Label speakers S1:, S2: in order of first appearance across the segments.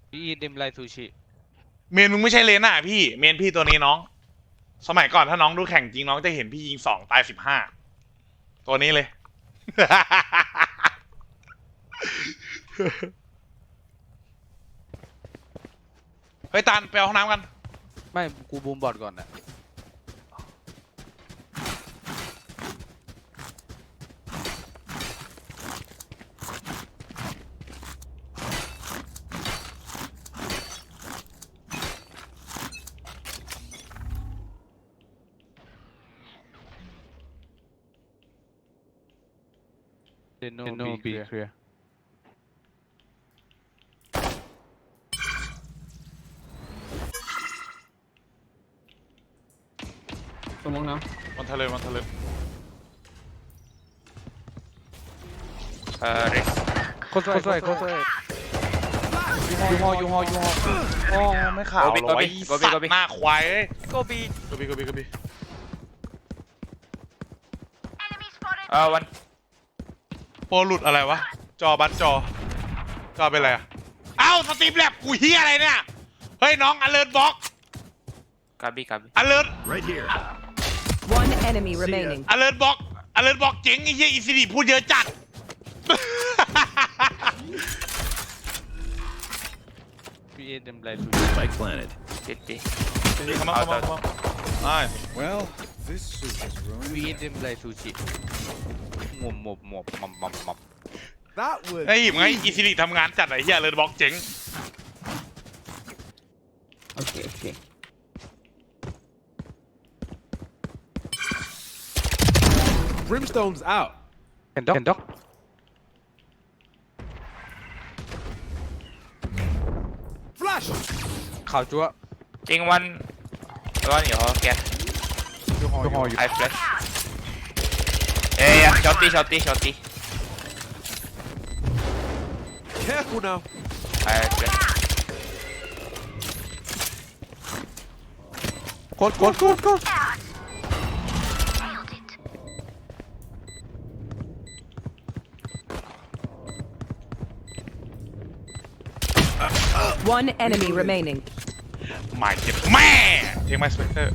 S1: พี่อีเดมไลซูชิ
S2: เมนมึงไม่ใช่เลน่าพี่เมนพี่ตัวนี้น้องสมัยก่อนถ้าน้องดูแข่งจริงน้องจะเห็นพี่ยิง2ตาย15ตัวนี้เลย เฮ้ยตาลไปเอาห้องน้ำกัน
S1: ไม่กูบูมบอดก่อนนะ โนบีเคลียร์
S3: สมองน้
S2: มันทะเลมันทะเล
S4: Rick
S1: โคตรสวยยูฮอ
S2: โอ้ไม่ข่าวหรอไอ้สัตว์หน้าควาย
S4: โกบี
S2: กบี
S4: วัน
S2: โปรหลุดอะไรวะจอบัสจอเป็นอะไรอ่ะเอ้าสตรีมแลบกูเฮียอะไรเนี่ยเฮ้ยน้องอเลิร์ตบล็อก
S4: กาบี
S2: อเลิร์ต
S5: Right here.
S6: One enemy remaining.
S2: อเลิร์ตบล็อกเจ๋งไอ้เหี้ยอีซีดีพูดเยอะจัด
S1: พี่อีเดมไลซู
S5: Spike planted.
S4: ติดปี
S2: come on nice
S5: Well, this suit is ruined.
S1: พี่อีเดมไลซูชิหมบมับ
S5: That was
S2: ไอ้หิมไงอีซีดีทำงานจัดไอ้เหี้ยอเลิร์ตบล็อกเจ๋ง
S3: ำโอเค
S5: Brimstone's out.
S1: เห็นด็อก
S5: Flash.
S1: ข่าวจั๊ว
S4: จริงวันอยู่หอแก
S1: ยูฮออยู่
S4: ไอแฟลชช็อตตี้
S5: Careful now.
S4: ไอแฟลช
S1: โคตร
S6: One enemy remaining.
S2: หมายเจ็บแม่เทคไมสเปกเตอร์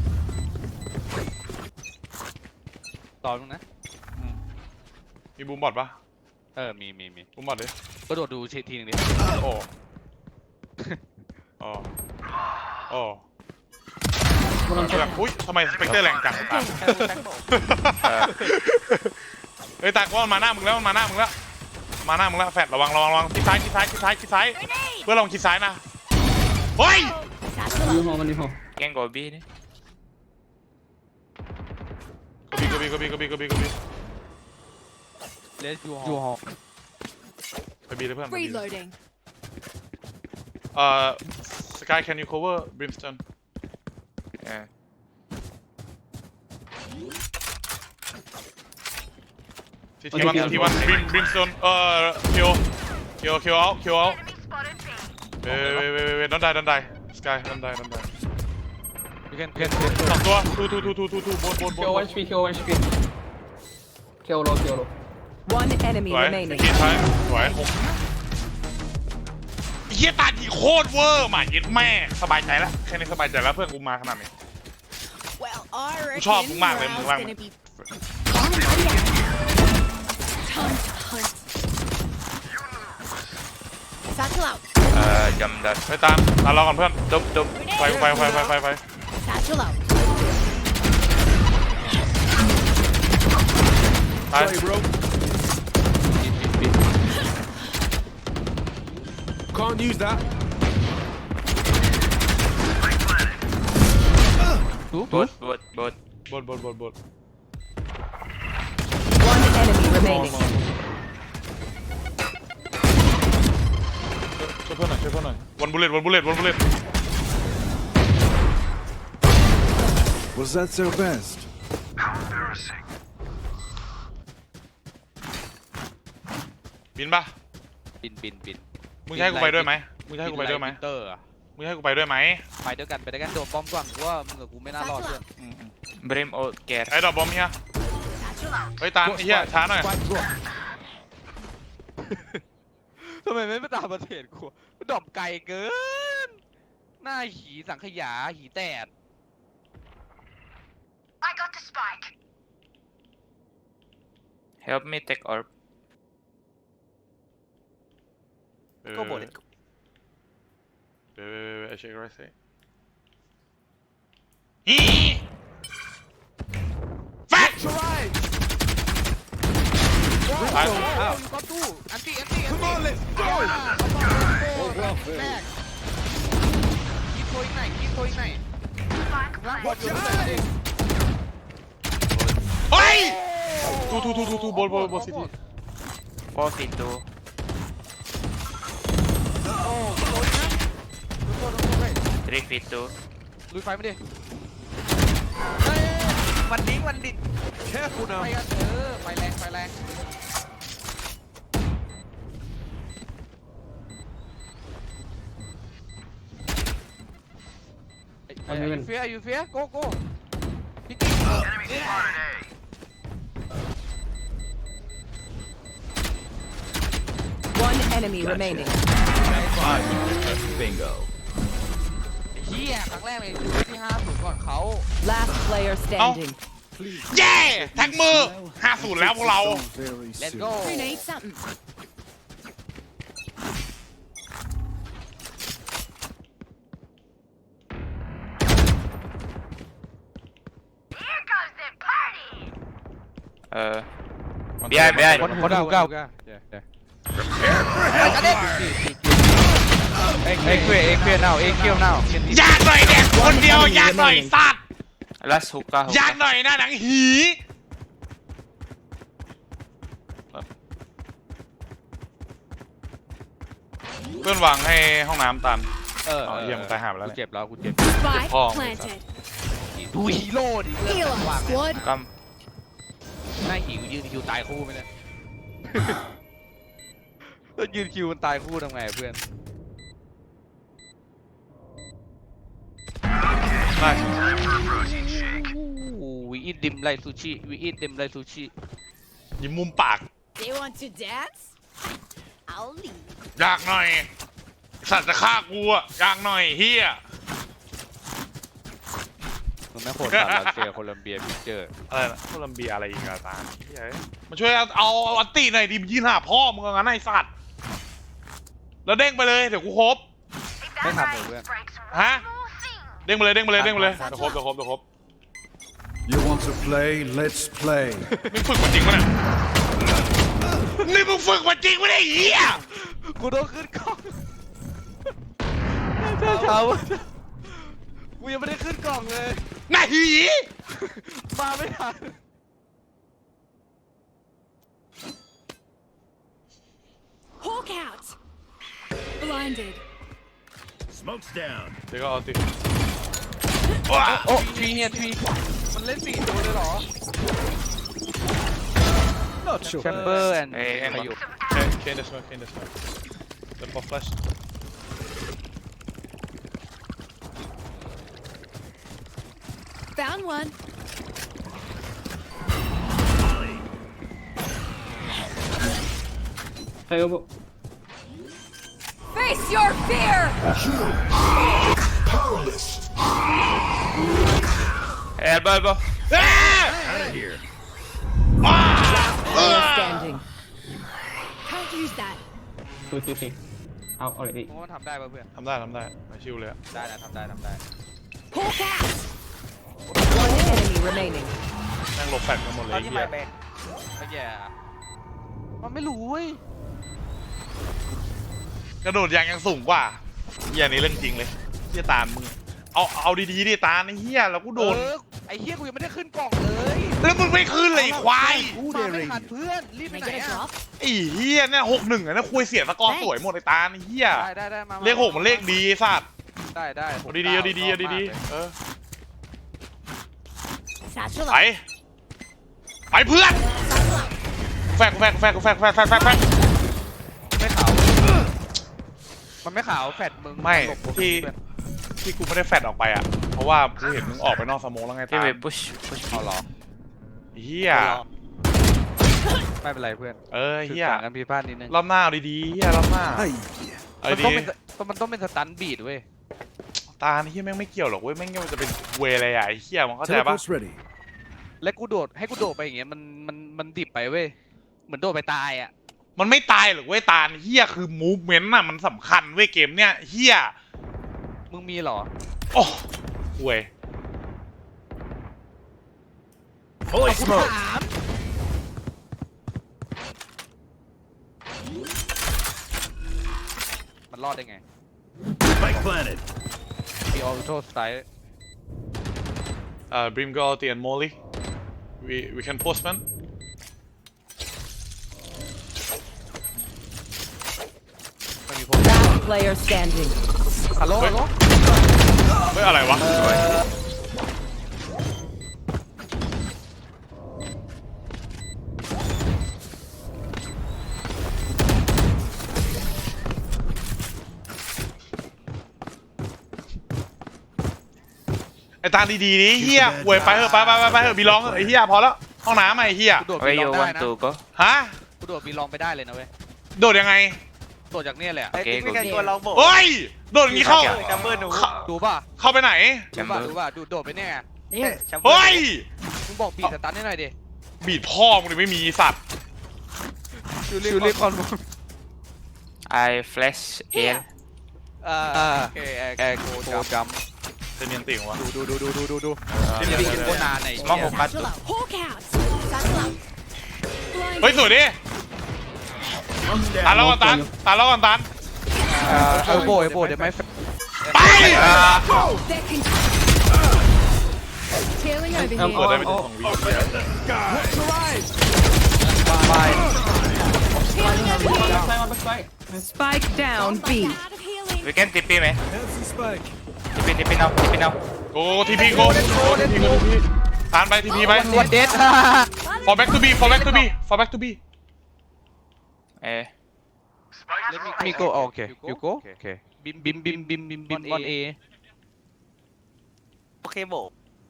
S1: ต่อตรงนะ
S2: มีบูมบอดปะ
S1: มี
S2: บูมบอดดิ
S1: ก็โดดดูเชทีนึงดิ
S2: โอ้โอ้โอ้
S3: มันต้อง
S2: แบบอุ้ยทำไมสเปกเตอร์แรงจังตาเฮ้ยตาก็มาหน้ามึงแล้วมาหน้ามึงแล้วแฟดระวังทิศซ้ายเพื่อนลองทิศซ้ายนะเฮ้ย
S3: ยูฮอมันยูฮอ
S4: แกงโกบีนี่
S2: กบี
S1: เลสยูฮอ
S2: ไปบีเลยเพื่อน
S6: Reloading.
S2: Sky can you cover Brimstone ทีวันBrimstone kill out wait don't die Sky don't die
S1: ยูแคน
S2: สองตัวทูบน
S3: คิววันสปีคิววันสปีคิวโล
S6: One enemy
S2: สวย
S6: remaining.
S2: ทีท้ายสวยเฮียตาดีโคตรเวอร์หมาเย็ดแม่สบายใจแล้วแค่นี้สบายใจแล้วเพื่อนกูมาขนาดนี้
S7: Well, I reckon
S2: ชอบมึงมากเลยมึงว่าง
S7: gonna be Satchel out.
S4: จำได้
S2: ไปตามเราก่อนเพื่อน
S4: ตุ๊บ
S2: ไฟ
S7: Satchel out.
S2: ตาย
S5: Sorry, bro. Can't use that.
S4: บด
S2: บน
S6: One enemy remaining.
S2: ช่วยเพื่อนหน่อยวันบุลเลต
S5: Was that so best?
S2: บินปะ
S1: บิน
S2: มึงจะให้กูไปด้วยไหม
S1: เตอร์อะ
S2: มึงให้กูไปด้วยไหม
S1: ไปด้วยกันโดดป้อมก่อนว่ามึงกับกูไม่น่ารอดเพื่อน
S4: บริมโอแก
S2: ไอ้ดอกบอมเฮีย
S7: Satchel out.
S2: เฮ้ยตาลไอ้เฮียช้าหน่อย
S1: โททำไมไม่ตามประเทศกูดอกไก่เกิน หน้าหีสังขยาหีแตด
S4: Help me take orb.
S1: ก็บ่น
S2: I check right say. แฟก
S5: Right.
S2: ไป
S1: อ้าวก็ตู้อันตี้
S5: Come on, let's go.
S1: แรกยิงโคอีกไหนร่างบอลอยู่ข้างใน
S2: เฮ้ยทูบอลซิตี้
S4: 4 feet 2.
S1: โอ้โหนะโดนไป
S4: 3 feet 2.
S1: ลุยไฟไม่ดิเฮ้ยวันดิ้ง
S5: Careful
S1: ไป
S5: now.
S1: กันไฟแรงอยู่เฟียโกพี่กิ๊ก
S6: One enemy remaining.
S1: เฮียครั้งแรกเลยที่50ก่อนเขา
S6: Last player standing.
S2: เย้แท็กมือ50แล้วพวกเรา
S5: Very
S1: Let's
S5: soon.
S1: go
S7: Grenade something.
S4: Behind.
S1: คนดูเก้าเอ็กเคียวnow
S2: อยากหน่อยแดกคนเดียวอยากหน่อยสัตว์
S4: Last hookah.
S2: อยากหน่อยนะหนังหีเพื่อนวางให้ห้องน้ำตันเยี่ยมตายหาไปแล้ว
S1: กูเจ็บแล้วกูเจ็บ
S7: Spike
S2: Oh.
S7: planted.
S1: ดูฮีโร่ดิ
S7: Heal up, squad.
S4: Come.
S1: หน้าหิวยืนคิวตายคู่ไหมเนี่ยแล้วยืนคิวมันตายคู่ทำไงเพื่อน
S2: ได้
S1: We eat them like sushi We eat them like sushi
S2: ยิ้มมุมปาก
S7: They want to dance? I'll leave.
S2: อยากหน่อยสัตว์จะฆ่ากูอะอยากหน่อยเฮีย
S1: มันไม่โคตรสามรัสเซียโคลัมเบียพิเจอร์
S2: อะไรนะโคลัมเบียอะไรอีกอะตาเฮียมาช่วยเอาอัตตีหน่อยดิมยืนหาพ่อมึงงั้นไอ้สัตว์แล้วเด้งไปเลยเดี๋ยวกูครบ
S1: ไม่ทันเลยเพื่อน
S2: ฮะเด้งไปเลยเดี๋ยวครบ
S5: You want to play? Let's play.
S2: มึงฝึกมาจริงปะเนี่ยนี่มึงฝึกมาจริงปะเนี่ยเฮีย
S1: กูต้องขึ้นกล้องเช้ากูยังไม่ได้ขึ้นกล่องเลย
S2: น่าหี
S1: มาไม่ทัน
S7: Hawk out. Blinded.
S5: Smoke's down.
S2: เดี๋ยวก็เอาติว้า
S1: โอ้ทรีมันเล่น4ตัวเลยเหรอ
S5: Not sure.
S1: แชมเบอร์แอน
S4: Hey,
S1: ใครอยู่
S2: เคนเดสมาเดี๋ยวพอฟลัช
S7: Found one.
S3: ใครก็บอก
S6: Face your fear.
S4: Elbow.
S5: Out of here.
S6: Player standing.
S7: Can't use that.
S3: คือเอา already
S1: เพราะมันทำได้ป่ะเพื่อน
S2: ทำได้ไม่ชิวเลยอะ
S1: ได้นะทำได้
S7: Hawk out.
S6: One enemy remaining.
S2: นั่งหลบแฟดกันหมดเลย
S1: ตอน
S2: ไอ้
S1: ที่
S2: เฮี
S1: มาย แบกไม่แย่มันไม่รู้เว้ย
S2: กระโดดยางยังสูงกว่าเฮียนี่เรื่องจริงเลยเฮียตาลมึงเอาดีๆดิตาลไอ้เฮียแล้วกูโดน
S1: ไอ้เฮียกูยังไม่ได้ขึ้นกล่องเลย
S2: แล้วมึงไม่ขึ้นเลยไอ้ควาย
S1: มาไม่ทันเพื่อนรีบไป
S7: Can I
S1: ไหน
S7: get a
S1: อ่ะ
S7: drop?
S2: ไอ้เฮียเนี่ย61อะนะคุยเสียสกอร์สวยหมดไอ้ตาลไอ้เฮีย
S1: ได้มา
S2: เลข6มันเลขดีไอ้สัตว์
S1: ได้
S2: เอาดีๆเออ
S7: Satchel
S2: ไป
S7: out.
S2: ไปเพื่อน
S7: Satchel out.
S2: แฟก
S1: ไม่ขาวมันไม่ขาวแฟดมึง
S2: ไม่ที่กูไม่ได้แฟดออกไปอ่ะเพราะว่ากูเห็นมึงออกไปนอกสโมองแล้วไงตา
S4: Okay, wait, push.
S1: เอาหรอ
S2: เฮีย
S1: ไม่เป็นไรเพื่อน
S2: เฮีย
S1: ต่างกันผิดพลาดนิดนึง
S2: รอบหน้าเอาดีๆเฮียรอบหน้า
S5: Hey.
S2: เอา
S1: มัน
S2: ดี
S1: ต้องเป็นสตันบีดเว้ย
S2: ตาเฮียแม่งไม่เกี่ยวหรอกเว้ยแม่งมันจะเป็นเวอะไรอ่ะไอ้เฮียมันเข้าใจปะ
S5: Teleport's ready.
S1: และกูโดดให้กูโดดไปอย่างเงี้ยมันดิบไปเว้ยเหมือนโดดไปตายอ่ะ
S2: มันไม่ตายหรอกเว้ยตาเฮียคือมูฟเมนต์น่ะมันสำคัญเว้ยเกมเนี้ยเฮีย
S1: มึงมีเหรอ
S2: โอ้เว้ย
S5: Holy smoke.
S1: มันรอดได้ไง
S5: Spike planted.
S1: มีออโต้สไตล์
S2: Brim Galati and Molly we can postman
S1: มันมีพวก
S6: Last player standing.
S1: ฮัลโหลฮัลโหล
S2: เฮ้ยอะไรวะไอ้ตาดีๆนี่เฮียเว้ยไปเถอะไปเถอะบีลองเถอะไอ้เฮียพอแล้วห้องน้ำไอ้เฮีย
S1: กูโดด
S4: Where
S1: บีล
S4: you
S1: องได้
S4: want
S1: นะ
S4: to go
S2: ฮะ
S1: กูโดดบีลองไปได้เลยนะเว้ย
S2: โดดยังไง
S1: โดดจากเนี่ยแหละ
S4: โอเค
S8: ไม่กันกลัวลองโบก
S2: เฮ้ยโดดอย่างงี้เข้า
S8: จัมเบอร์หนู
S1: ดูป่ะ
S2: เข้าไปไหน
S1: ดูป่ะโดดไปเนี่ย
S8: จัมเบอร์
S2: เฮ้ย
S1: มึงบอกบีสตันให้หน่อยดิ
S2: บีดพ่อมึงเลยไม่มีสัตว์
S1: ชูรีคอน
S4: I flash air
S1: โอเคโกจัม
S2: จะเนียนติ่งวะ
S1: ดู
S2: เนียน
S1: บี
S2: ติ่ง
S1: โคตรนานไอ้
S4: Smoke 6
S7: Satchel out. Hawk out. Satchel out.
S2: เฮ้ย
S7: Blinded.
S2: สวยดิ
S5: One's
S2: ตา
S5: down.
S2: แล้วก่อนตัน
S1: เออโบเดี๋ยวไม่
S2: ไป
S7: They're tailing over
S2: กด
S7: here.
S2: ได้ไปถึง2 วิ
S1: ไป
S7: Tailing over here.
S6: Spike down B.
S7: Out of healing.
S4: we can TP man
S5: There's the spike.
S4: TP now
S2: โอ้ทีพีโกตานไปทีพีไป
S1: วันเด็ด
S2: for back to B for back to B
S4: เอ้ย
S1: มีโกโอเคยูโกโอเคบิมบอลเอ
S8: โอเคโบก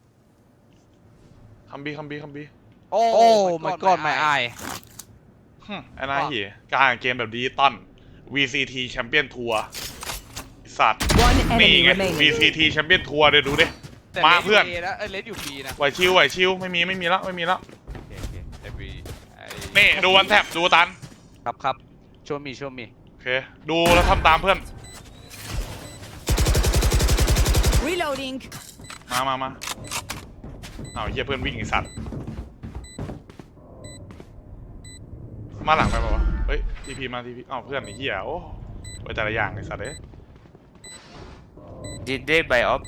S2: คัมบี
S1: โอ้ my god my eye
S2: ไอ้นายเหี้ยการเกมแบบดิจิตอล VCT แชมเปี้ยนทัวร์สัตว์
S6: One
S2: นี่
S6: enemy
S2: ไง
S6: remaining.
S2: VCT แชมเปี้ยนทัวร์เดี๋ยวดูดิ
S1: แต่
S2: มาเพื่อน
S1: แล้วเลสอยู่บีนะ
S2: ไหวชิวไม่มีแล้ว
S1: แต่บี
S2: นี่ดูวันแท็บดูตัน
S1: ครับโชว์มี
S2: โอเคดูแล้วทำตามเพื่อน
S7: Reloading.
S2: มาเอาเหี้ยเพื่อนวิ่งไอ้สัตว์มาหลังไปเปล่าวะเฮ้ยทีพีอ้าวเพื่อนไอ้เหี้ยโอ้ไปแต่ละอย่างไอ้สัตว์เอ้ย
S4: did they buy up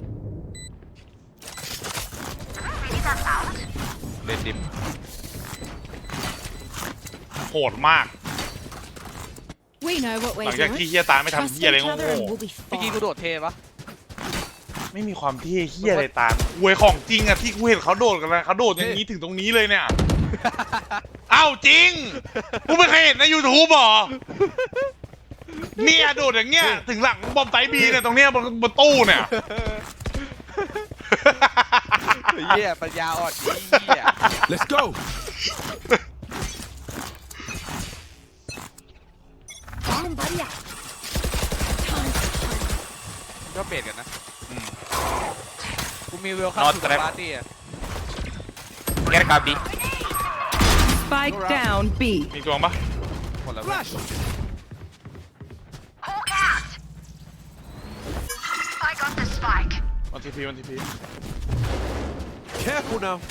S1: เลนดิม
S2: โหดมาก
S7: We know what
S2: หลั
S7: we're
S2: งจาก
S7: doing.
S2: ที่เหี้ยตาไม่ทำ
S7: Trust
S2: เหี้ยอะไร
S7: each
S2: โง่
S7: other and we'll be
S1: เมื่อกี้กู
S7: fine.
S1: โดดเทปะ
S2: ๆไม่มีความเท่เหี้ยอะไรตาเวยของจริงอะที่กูเห็นเขาโดดกันนะเขาโดดอย่างนี้ถึงตรงนี้เลยเนี่ยเอ้าจริงกูไม่เคยเห็นใน YouTube หรอเนี่ยโดดอย่างเงี้ยถึงหลังบอมไตบีเนี่ยตรงเนี้ยบนตู้เนี่ย
S1: เหี้ยปัญญาอ่อนเหี้ย
S5: Let's go.
S7: Bomb buddy out.
S1: ก็เปลี่ยนกันนะกูมีเวลคัม
S4: Not
S1: ทู
S4: trap
S1: ปาร์ตี้อะ
S4: get copy
S6: Spike down B.
S2: มีตัวปะ
S1: หมดแล้ว
S5: Flash.
S2: วันทีพี
S5: Careful now.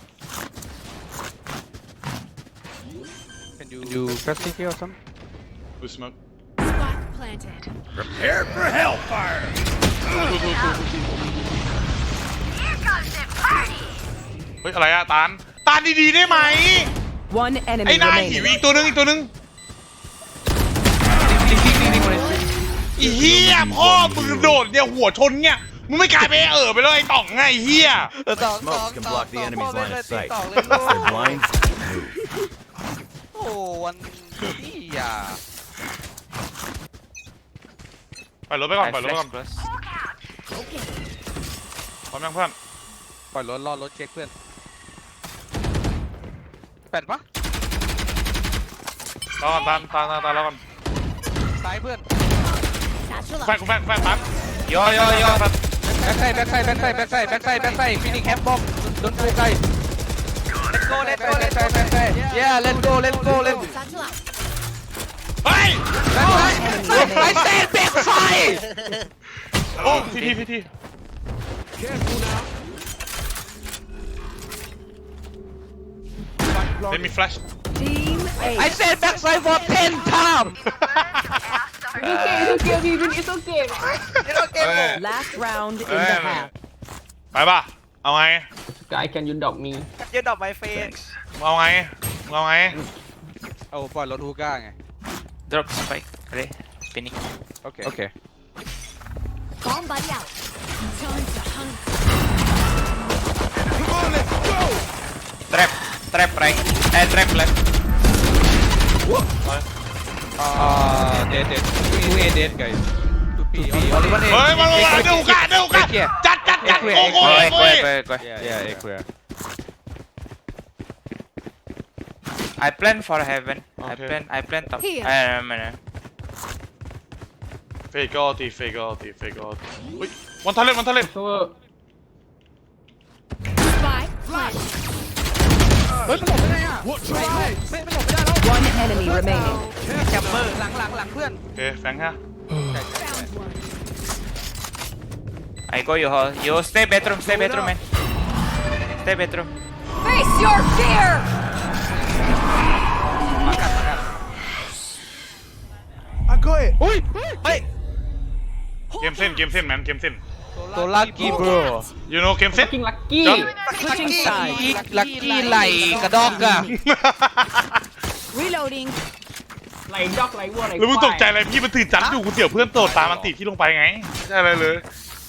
S1: Can you press it here or something
S2: ดูสโมก
S7: Spike planted.
S5: Prepare for hellfire.
S2: เฮ้ยอะไรอะตาลดีๆได้ไหม
S6: One
S2: ไอ้
S6: enemy
S2: นายหิว
S6: remaining.
S2: อีกตัวนึงอีเหี้ยพ่อมึงโดดเนี่ยหัวชนเนี่ยมึงไม่กลายไปไปเลยไอ้ต่องไงไอ้เหี้ย
S5: Smoke can block the enemy's line of sight.
S1: ต่อ
S5: If
S1: เลย
S5: they're blind, move.
S1: โอ้วันนี้อ่ะ
S2: ปล่อยรถไปก่อน
S4: I
S2: ปล่อยรถไปก่อน
S4: flash close
S2: พร้อมยังเพื่อน
S1: ปล่อยรถรอรถเช็คเพื่อนแปดปะ
S2: รอก่อนตานแล้วก่อน
S1: ซ้ายเพื่อน
S7: Satchel
S2: แฟ
S7: up.
S2: กตัน
S4: โย
S1: แบ็คไซด์โดนโฟกัส
S8: let's go
S1: yeah let's go
S7: Satchel up.
S2: เฮ้ย
S1: ไอ้เซนแบ็คไซด์
S2: โอ้ที
S5: Careful now.
S2: เป็นมีแฟลช
S6: Team
S1: ไอ้
S6: A.
S1: เซนแบ็คไซด์ for 10 times
S6: Last round in the half.
S2: ไปป่ะเอาไง
S3: Guy can you dog me
S8: ยืนดอกไม้เฟน
S2: เอาไง
S1: เอาปล่อยรถฮูก้าไง
S4: drop spike ready Phoenix
S1: โอเค
S7: Bomb buddy out. Time to hunt.
S5: Come on, let's go.
S4: trap right trap left
S1: เด็ดทูเอเด็ดไงทูปีออลิวันเอ
S2: เฮ้ยมาเดือดกันจัดโอ้โห
S4: go
S1: yeah clear
S4: I plan for heaven
S2: Okay.
S4: I plan top
S7: Here.
S2: เฟกอตีอุ้ยวันทะเล
S3: so
S7: Spike plant.
S1: เฮ้ยมันหลบไม่ได้อ่ะ
S5: Watch your eyes.
S1: ไม่หลบไม่ได้แล้ว
S6: One enemy remaining.
S1: แคมเปอร์หลังเพื่อน
S2: โอเคแฟงฮะ
S7: Found one.
S4: I go you hall you stay bedroom man stay bedroom
S7: Face your fear.
S1: มากัน
S5: I got it.
S1: อุ้ย
S8: เฮ้ย
S2: เกมเส้นแมนเกมเส้น
S1: โซลักกี้บร
S2: you know เกมเส้น
S3: fucking lucky
S6: Switching sides.
S1: ลักกี้ไหลกระดอกอะ
S7: Reloading.
S3: ไหลดอกไหลวัวไหล
S2: แล้วมึงตกใจอะไรพี่มันตื่นจัดอยู่กูเสี่ยวเพื่อนโตดตามมันติที่ลงไปไงไม่ใช่อะไรเลย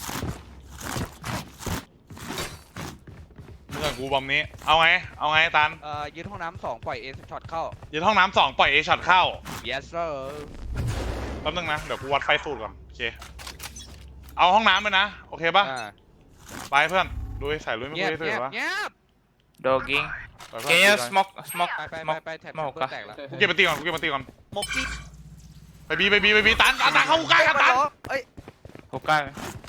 S2: เมื่อกูบอมนี้เอาไงตัน
S1: ยืนห้องน้ำ2ปล่อยเอสช็อตเข้า
S2: ยืนห้องน้ำ2ปล่อยเอช็อตเข้า
S1: yes sir
S2: แป๊บนึงนะเดี๋ยวกูวัดไฟสูตรก่อนโอเคเอาห้องน้ำเลยนะโอเคป่ะไปเพื่อนดูใส่ลุยไม่
S1: เงียบ
S2: คุย
S1: เงี
S2: เลย
S1: ยบ
S2: วะ
S1: เงียบ
S4: dogging
S2: ไปเพื่อน
S4: can you smoke
S1: ไปแท็บ
S4: smoke
S1: เพื่อนแตกแล้ว
S2: กูเก็บไปตีก่อนกูเก็บไปตีก่อน
S8: หมกที่
S2: ไปบีตันเข้ากูใกล้กันตัน
S8: เอ้ย
S4: hookah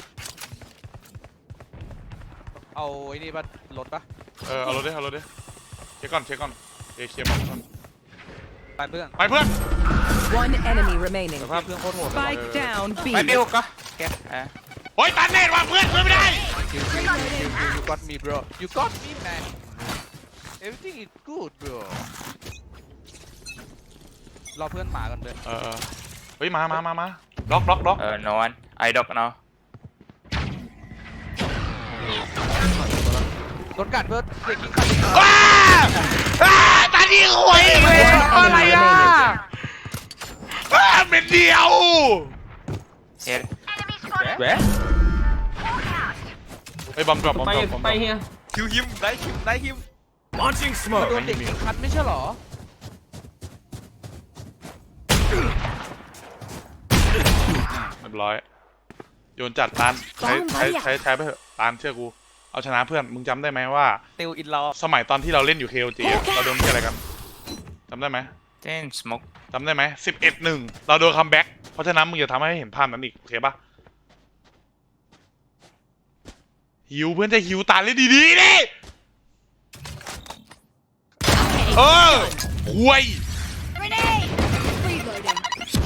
S1: เอาไอ้นี่ป่ะรถป่ะ
S2: เอารถดิเช็คก่อนเคลียร์ก่อน
S1: ไปเพื่อน
S2: ไปเพื่อน
S6: One enemy remaining.
S2: สภาพ
S1: เพื่อนโคตรโหด
S6: Spike down B.
S4: ไปพี่ hookah โอเค
S2: โอ้ยตันเนตว่ะเพื่อนไม่ได้
S1: you got me bro you got me man everything is good bro รอเพื่อนหมากันเลย
S2: เฮ้ยมาล็อก
S4: no one I dog now
S1: รถกัดเพื่อนเด็กยิงกัด
S2: ตาดีหวยเลยอะไรอ่ะเป็นเดียว
S4: here
S1: แหวะ
S2: ไอ้บอมดรอป
S3: ไปเฮีย
S8: คิวฮิมได้ฮิม
S5: Launching
S1: โด
S5: smoke.
S1: นเด็กยิงคัดไม่ใช่หรอ
S2: เรียบร้อยโยนจัดตานใช้ไปเถอะตานเชื่อกูเอาชนะเพื่อนมึงจำได้ไหมว่า
S8: ติวอินลอ
S2: สมัยตอนที่เราเล่นอยู่ KOG อะเราโดนที่อะไรกันจำได้ไหม
S4: then smoke
S2: จำได้ไหม11-1เราโดนคัมแบ็กเพราะฉะนั้นมึงอย่าทำให้เห็นภาพนั้นอีกโอเคปะหิวเพื่อนจะหิวตาเล่นดีๆดิห่วย
S7: Grenade. Reloading.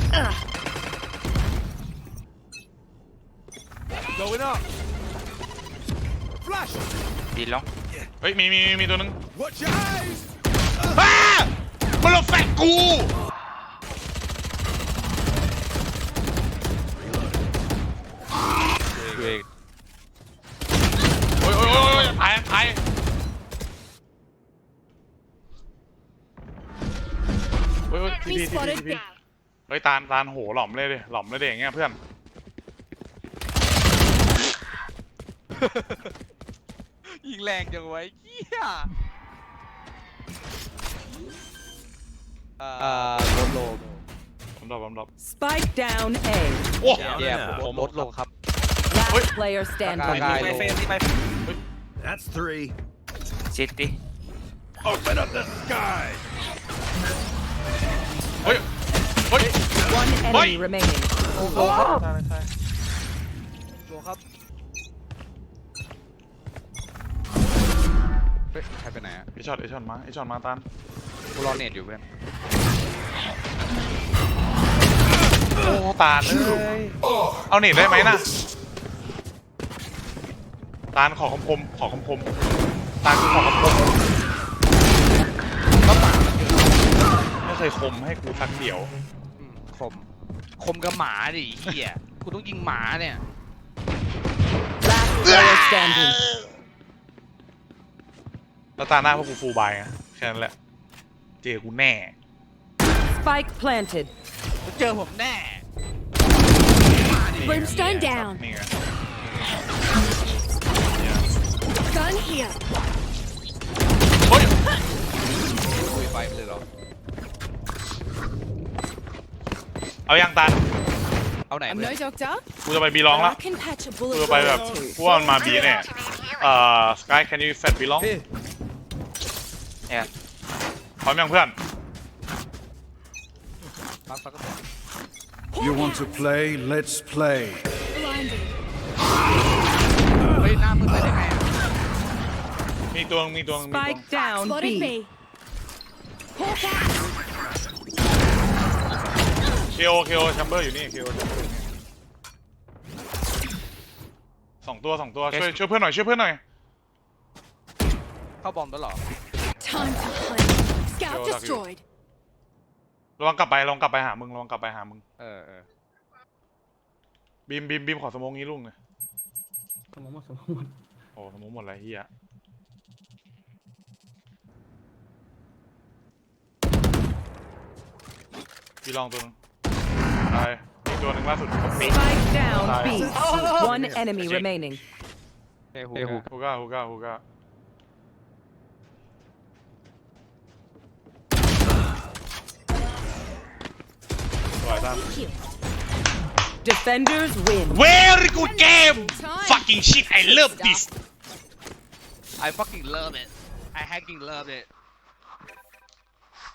S5: Going up. Flash.
S4: be long
S2: เฮ้ยมีตัวนึง
S5: Watch your eyes.
S2: มันหลบแฟนกู
S1: เอง
S2: โอ้ยตายโอ้ยที
S7: Enemy spotted
S2: พี
S7: down.
S2: เฮ้ยตาลโหหล่อมเลยอย่างเงี้ยเพื่อน
S1: ยิงแรงจังไว้เหี้ยลดลง
S2: ผมดรอป
S6: Spike down A.
S2: โอ้
S1: แย่ผมลดลงครับ
S6: Last player standing.
S1: ได้
S8: ไปเฟนที่ไป
S5: That's 3.
S4: city
S5: Open up the sky.
S2: เฮ้ยเฮ้ย
S6: One enemy remaining.
S2: ตายตาย
S1: โจครับเฮ้ยใครไปไหนอะ
S2: ไอช็อตมาตัน
S1: กูรอเน็ตอยู่เพื่อน
S2: โอ้ตาลเลยเอาเน็ตได้ไหมน่ะตาลขอคำคมตาลคือขอคำคมไม่เคยคมให้กูสักเดียว
S1: คมกับหมาดิเฮียกูต้องยิงหมาเนี่ย
S6: Last player standing.
S2: แล้วตาหน้าพวกกูฟูลบายไงแค่นั้นแหละเจอกูแน่
S6: Spike planted.
S1: เจอผมแน่
S7: Brimstone down.
S2: นี่ไง
S7: Gun here.
S2: เฮ้ย
S1: คุยไปไม่เลยหรอ
S2: เอายังตัน
S1: เอาไหน
S7: I'm
S1: เพื่อน
S7: no doctor,
S2: กูจะไปบีลอง
S7: but
S2: ละ
S7: I can patch a
S2: กู
S7: bullet
S2: จะไปแบบ
S7: too.
S2: กูว่ามันมาบีแน่สกาย can you fat บีลอง
S4: Yeah.
S2: พร้อมยังเพื่อน
S1: ปั๊บปั๊บ
S5: You want to play? Let's play.
S7: Blinded.
S1: เฮ้ยหน้ามึงไปได้ไงอะ
S2: มีตัว
S6: Spike down
S7: Spotted
S6: B.
S7: B. Hawk out.
S2: เคโอแชมเบอร์อยู่นี่เคโอแชมเบอร์อยู่นี่สองตัวช่วยเพื่อนหน่อย
S1: เข้าบอมแล้วเหรอ
S7: Time to hunt. Scout
S2: Yo,
S7: destroyed.
S2: ระวังกลับไปหามึง
S1: เออ
S2: บีมขอสโมองงี้ลุงเลย
S3: สมองหมด
S2: โอ้สโมองหมดเลยเฮียบีลองตัวนึงตายอีกตัวหนึ่งล่าสุด
S6: Spike down B.
S2: Oh.
S6: One enemy remaining.
S1: เฮ้ย
S2: ฮูก้าสวยตั้ม
S6: Defenders win.
S2: Very good game fucking shit I love this
S1: I fucking love it I hacking love it